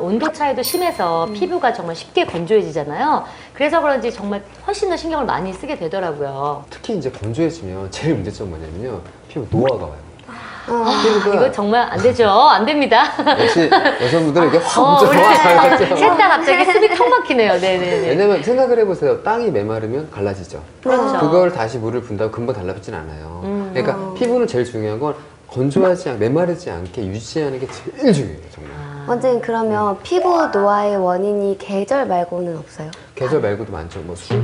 온도 차이도 심해서 피부가 정말 쉽게 건조해지잖아요. 그래서 그런지 정말 훨씬 더 신경을 많이 쓰게 되더라고요. 특히 이제 건조해지면 제일 문제점 뭐냐면요. 피부 노화가 와요. 이거 정말 안 되죠. 안 됩니다. 역시 여성분들은 이게 확 우리 들어와요. 셋 다 갑자기 숨이 턱 막히네요. 네네네. 왜냐면 생각을 해보세요. 땅이 메마르면 갈라지죠. 그렇죠. 그걸 다시 물을 붓다고 금방 달라붙진 않아요. 그러니까 피부는 제일 중요한 건 건조하지 않게, 메마르지 않게 유지하는 게 제일 중요해요. 정말. 원장님 그러면 피부 노화의 원인이 계절 말고는 없어요? 계절 말고도 많죠. 뭐 술,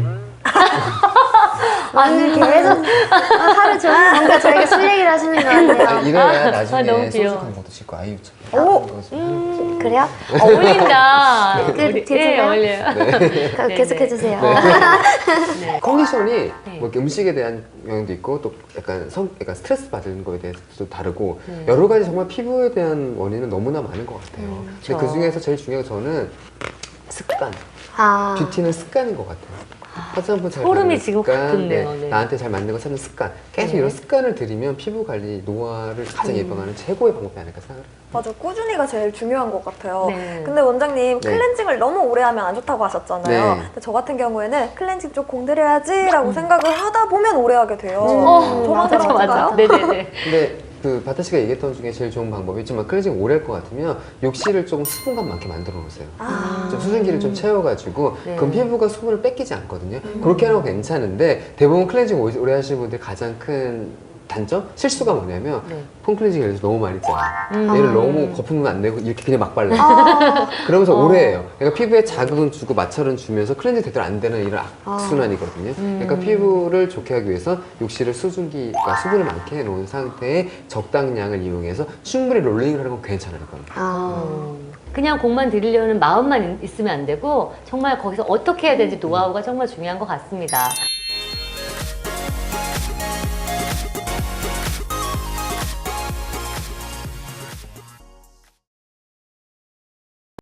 아니 계속 하루 종일 뭔가 저희가 술 얘기를 하시는 것 같아요. 이래야 나중에 너무 소주 귀여워. 광고도 찍고 아이유처럼. 오! 그래요? 어울린다. 그, 예, 어울려요. 계속해주세요. 네. 컨디션이 네. 뭐 이렇게 음식에 대한 영향도 있고 또 약간 약간 스트레스 받는 거에 대해서도 다르고 네. 여러 가지 정말 피부에 대한 원인은 너무나 많은 것 같아요. 그쵸. 근데 그 중에서 제일 중요한 건 저는 습관. 아, 뷰티는 습관인 것 같아요. 화장품 잘 소름이 바르는 지금 습관, 확 돋네요. 네. 나한테 잘 맞는 거 찾는 습관. 계속 네. 이런 습관을 들이면 피부 관리, 노화를 가장 예방하는 최고의 방법이 아닐까 생각해요. 맞아, 꾸준히가 제일 중요한 것 같아요. 네. 근데 원장님 네. 클렌징을 너무 오래 하면 안 좋다고 하셨잖아요. 네. 근데 저 같은 경우에는 클렌징 좀 공들여야지라고 생각을 하다 보면 오래 하게 돼요. 저만 맞아, 맞아. 그런가요? 네네네. 근데 그 바타 씨가 얘기했던 중에 제일 좋은 방법이 있지만 클렌징 오래 할 것 같으면 욕실을 조금 수분감 많게 만들어 놓으세요. 좀 수증기를 좀 채워가지고 네. 그럼 피부가 수분을 뺏기지 않거든요. 그렇게 하는 건 괜찮은데 대부분 클렌징 오래 하시는 분들 가장 큰 단점? 실수가 뭐냐면 네. 폼 클렌징 예를 들어서 너무 많이 짜요. 얘를 너무 거품은 안 내고 이렇게 그냥 막 발라요. 그러면서 오래 해요. 그러니까 피부에 자극은 주고 마찰은 주면서 클렌징 제대로 안 되는 이런 악순환이거든요. 그러니까 피부를 좋게 하기 위해서 욕실을 수증기가 수분을 많게 해놓은 상태에 적당량을 이용해서 충분히 롤링을 하는 건 괜찮아요. 이건. 아. 그냥 공만 들이려는 마음만 있으면 안 되고 정말 거기서 어떻게 해야 되는지 노하우가 정말 중요한 것 같습니다.